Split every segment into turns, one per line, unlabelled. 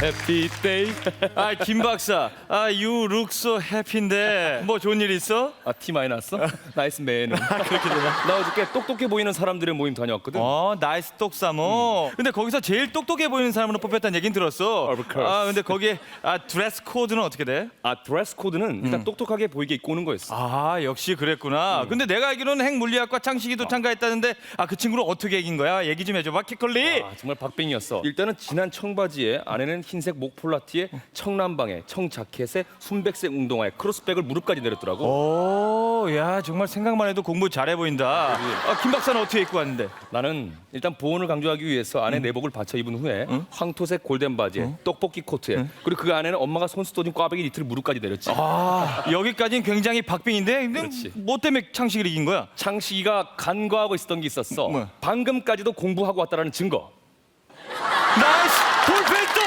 해피데이.
아, 김 박사. 아, you look so happy인데 뭐 좋은 일 있어?
아, 티 많이 났어? 나이스 맨. 그렇게 되나? 나 어저께 똑똑해 보이는 사람들의 모임 다녀왔거든.
나이스 똑사모. 근데 거기서 제일 똑똑해 보이는 사람으로 뽑혔다는 얘긴 들었어.
Of course.
아, 근데 거기에 드레스 코드는 어떻게 돼?
아, 드레스 코드는 일단 똑똑하게 보이게 입고 오는 거였어.
아, 역시 그랬구나. 근데 내가 알기로는 핵물리학과 창식이도 참가했다는데 그 친구를 어떻게 이긴 거야? 얘기 좀 해줘봐, 키컬리.
아, 정말 박빙이었어. 일단은 진한 청바지에 안에는 흰색 목폴라티에 청남방에 청자켓에 순백색 운동화에 크로스백을 무릎까지 내렸더라고.
오, 야, 정말 생각만 해도 공부 잘해 보인다. 김 박사는 어떻게 입고 왔는데?
나는 일단 보온을 강조하기 위해서 안에 내복을 받쳐 입은 후에 황토색 골덴 바지에 떡볶이 코트에 그리고 그 안에는 엄마가 손수 떠진 꽈배기 니트를 무릎까지 내렸지.
여기까지는 굉장히 박빙인데, 근데
그렇지.
뭐 때문에 창식이를 이긴 거야?
창식이가 간과하고 있었던 게 있었어.
뭐야?
방금까지도 공부하고 왔다라는 증거.
나이스 돌팔동.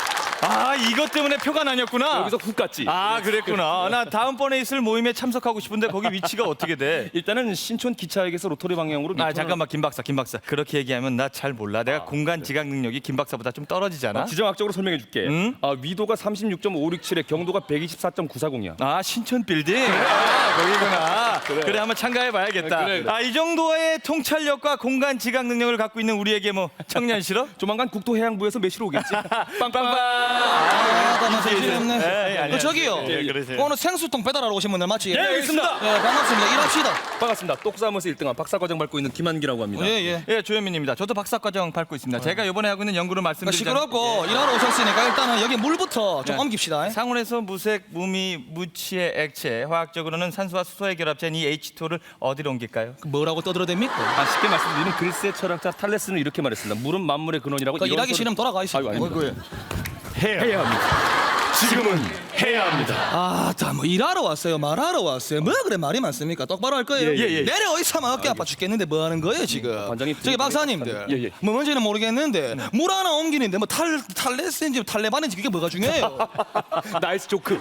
이것 때문에 표가 나뉘었구나.
여기서 훅 갔지.
그랬구나. 나 다음번에 있을 모임에 참석하고 싶은데 거기 위치가 어떻게 돼?
일단은 신촌 기차역에서 로터리 방향으로
잠깐만, 김 박사. 그렇게 얘기하면 나 잘 몰라. 내가 공간 지각 능력이 김 박사보다 좀 떨어지잖아.
지정학적으로 설명해 줄게. 위도가 36.567에 경도가 124.940이야.
신촌 빌딩. 거기구나. 그래, 한번 참가해 봐야겠다.
그래.
이 정도의 통찰력과 공간 지각 능력을 갖고 있는 우리에게 뭐 청년 싫어?
조만간 국토해양부에서 매시러 오겠지. 빵빵빵.
나
예,
저기요.
예, 그러세요.
오늘 생수통 배달하러 오신 분들 맞지?
예, 알겠습니다.
예, 반갑습니다. 일합시다.
반갑습니다. 똑싸움에서 1등한 박사과정 밟고 있는 김한기라고 합니다.
예.
예, 조현민입니다. 저도 박사과정 밟고 있습니다. 제가 이번에 하고 있는 연구를 말씀드리자면
시끄럽고 일하러 오셨으니까 일단은 여기 물부터 좀 옮깁시다.
상온에서 무색, 무미, 무취의 액체, 화학적으로는 산소와 수소의 결합체인 이 H2를 어디로 옮길까요?
뭐라고 떠들어댑니까?
쉽게 말씀드리면 그리스의 철학자 탈레스는 이렇게 말했습니다. 물은 만물의 근원이라고.
그
이런
일하기
소리-
싫으면 돌아가 있어.
아유, 아닙니다.
해야
합니다. 지금은 해야 합니다.
뭐 일하러 왔어요, 말하러 왔어요. 뭐 그래 말이 많습니까? 똑바로 할 거예요.
예.
내려 어디서 어깨 아파 죽겠는데 뭐 하는 거예요 지금?
관장님,
저기 박사님들.
예.
뭐 뭔지는 모르겠는데 물 하나 옮기는데 뭐 탈레스인지 탈레반인지 그게 뭐가 중요해요?
나이스 조크.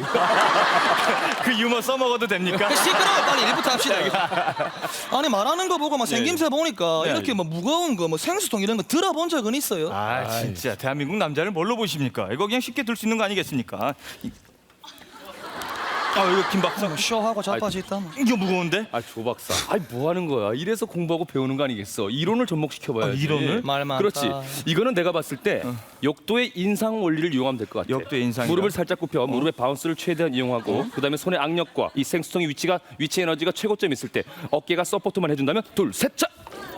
그 유머 써먹어도 됩니까?
시끄러워 빨리 일부터 합시다. 아니 말하는 거 보고 막 생김새 보니까 이렇게 뭐 무거운 거 뭐 생수통 이런 거 들어본 적은 있어요?
진짜 대한민국 남자를 뭘로 보십니까? 이거 그냥 쉽게 들 수 있는 거 아니겠습니까? 이거 김 박사.
쇼하고 자빠지 있다.
이거 무거운데?
조 박사. 뭐 하는 거야? 이래서 공부하고 배우는 거 아니겠어? 이론을 접목시켜봐야지.
이론을?
말 많다.
그렇지. 이거는 내가 봤을 때 역도의 인상 원리를 이용하면 될 것 같아.
역도의 인상이다.
무릎을 살짝 굽혀 무릎의 바운스를 최대한 이용하고 그다음에 손의 악력과 이 생수통의 위치 에너지가 최고점 있을 때 어깨가 서포트만 해준다면 둘, 셋, 차.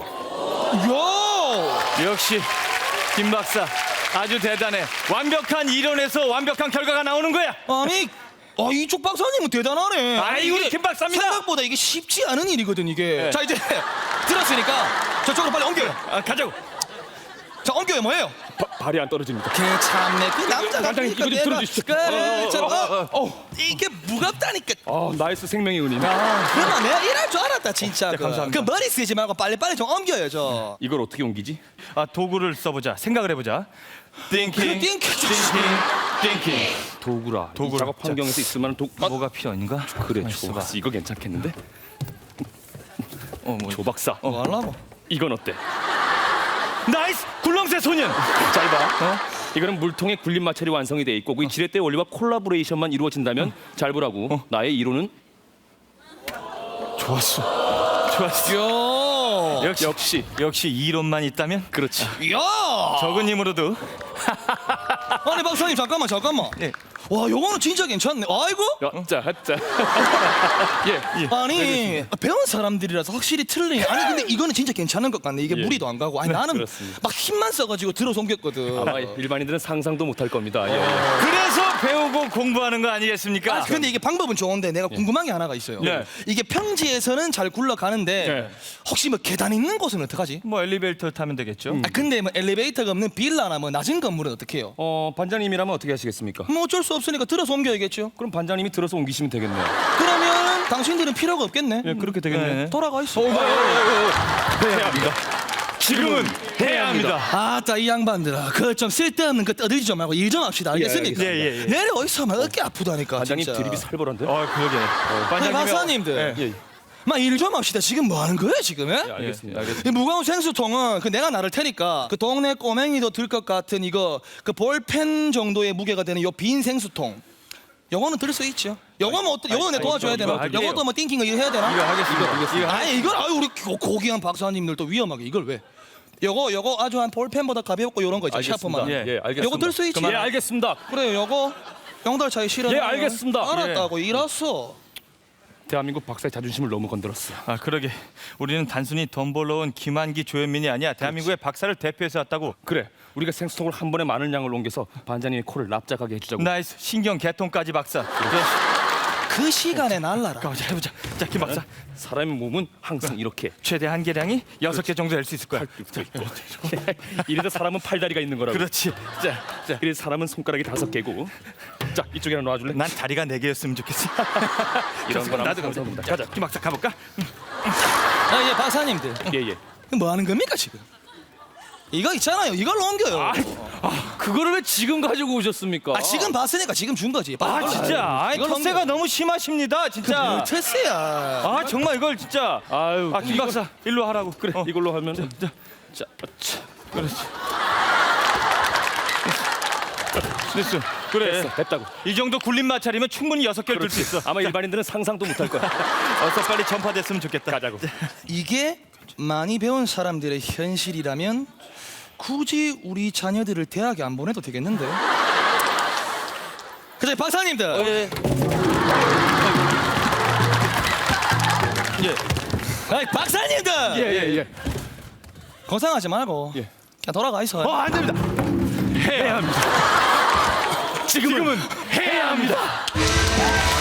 요!
역시 김 박사 아주 대단해. 완벽한 이론에서 완벽한 결과가 나오는 거야.
아니, 이쪽 박사님은 대단하네.
아이고,
이게
김 박사입니다.
생각보다 이게 쉽지 않은 일이거든 이게.
네.
자 이제 들었으니까 저쪽으로 빨리 옮겨요.
가자고.
자 옮겨요 뭐예요?
발이 안 떨어집니다.
참네 그 남자가
반장님, 이거 좀 들어주시죠.
그래 이게 무겁다니까.
나이스 생명의 은인.
그러면 내가 일할 줄 알았다 진짜.
감사합니다.
그 머리 쓰지 말고 빨리 좀 옮겨요 저.
이걸 어떻게 옮기지?
도구를 써보자. 생각을 해보자. 띵킹,
띵킹.
띵킹.
도구라.
도구라.
이 작업 환경에서 있으면
뭐가 필요한가?
그래,
있어봐.
조 박사. 이거 괜찮겠는데? 조 박사.
뭐 하려고?
이건 어때?
나이스 굴렁쇠 소년.
잘 봐. 이거는 물통에 굴림 마찰이 완성이 돼 있고 이 지렛대 원리와 콜라보레이션만 이루어진다면 잘 보라고. 나의 이론은
좋았어.
요.
역시 이론만 있다면
그렇지.
야.
적은 힘으로도.
아니 박사님 잠깐만.
예.
와 요거는 진짜 괜찮네. 아이고.
자. 예.
아니 배운 사람들이라서 확실히 틀리네. 아니 근데 이거는 진짜 괜찮은 것 같네. 이게 무리도 안 가고. 아니 나는
그렇습니다.
막 힘만 써가지고 들어서 옮겼거든.
아마 일반인들은 상상도 못할 겁니다. 예.
그래서 배우고 공부하는 거 아니겠습니까?
근데 이게 방법은 좋은데 내가 궁금한 게 하나가 있어요.
네.
이게 평지에서는 잘 굴러가는데
네.
혹시 뭐 계단 있는 곳은 어떡하지?
뭐 엘리베이터 타면 되겠죠.
근데 뭐 엘리베이터가 없는 빌라나 뭐 낮은 건물은 어떻게 해요?
반장님이라면 어떻게 하시겠습니까?
뭐 어쩔 수 없으니까 들어서 옮겨야겠죠.
그럼 반장님이 들어서 옮기시면 되겠네요.
그러면 당신들은 필요가 없겠네.
예, 그렇게 되겠네.
돌아가 있어.
해야 합니다.
지금은 해야 합니다.
아따 이 양반들아 그거 좀 쓸데없는 거 떠들지 좀 말고 일 좀 합시다 알겠습니까?
예.
내려 어디서 하면 어깨 아프다니까
반장님
진짜.
드립이 살벌한데?
그러게.
아니, 박사님들
예.
일 좀 합시다. 지금 뭐 하는 거야 지금? 예?
예, 알겠습니다.
이 무거운 생수통은 그 내가 나를 테니까 그 동네 꼬맹이도 들 것 같은 이거 그 볼펜 정도의 무게가 되는 요 빈 생수통. 요거는 들 수 있죠. 요거는 어때? 요거는 내 도와줘야 되나?
할게요.
요것도 뭐 띵킹 거 이거 해야 되나?
이거 하겠습니다.
아니 이걸 우리 고귀한 박사님들 또 위험하게 이걸 왜? 요거 아주 한 볼펜보다 가볍고 요런 거 있죠. 샤프만.
예, 알겠습니다.
요거 들 수 있지.
예, 알겠습니다.
그래요. 요거 0달 차이 싫어.
예, 알겠습니다.
알았다고 일었어.
대한민국 박사의 자존심을 너무 건드렸어.
아 그러게 우리는 단순히 돈 벌러 온 김한기 조현민이 아니야. 대한민국의 박사를 대표해서 왔다고.
그래, 우리가 생수통을 한 번에 많은 양을 옮겨서 반장님의 코를 납작하게 해주자고.
나이스 신경 개통까지 박사.
그 시간에 날라라.
가보자 해보자. 자 김 박사
사람의 몸은 항상 이렇게
최대 한계량이 6개 정도 될 수 있을 거야.
이래서 사람은 팔다리가 있는 거라고.
그렇지. 자,
그래서 사람은 손가락이 5개고. 자, 이쪽에 하나 놔줄래?
난 다리가 4개였으면 좋겠어.
이런 건
나도
감사합니다.
가자. 김 박사 가볼까?
예, 박사님들.
예.
뭐 하는 겁니까 지금? 이거 있잖아요. 이걸로 옮겨요.
그거를 왜 지금 가지고 오셨습니까?
지금 봤으니까 지금 준 거지.
아 진짜. 아이
이걸
텃세가 너무 심하십니다. 진짜.
테스야.
아 정말 이걸 진짜.
아유,
김 박사 일로 하라고.
그래, 이걸로 하면 자,
그렇지. 됐어. 그래.
됐다고.
이 정도 굴림 마찰이면 충분히 6개를 들 수 있어.
아마 일반인들은 상상도 못할 거야.
어서 빨리 전파됐으면 좋겠다.
가자고.
이게 많이 배운 사람들의 현실이라면 굳이 우리 자녀들을 대학에 안 보내도 되겠는데. 그래 박사님들. 아이 박사님들.
예.
고생하지 말고
예.
그냥 돌아가 있어.
안 됩니다.
해야 합니다. 지금은 해야 합니다.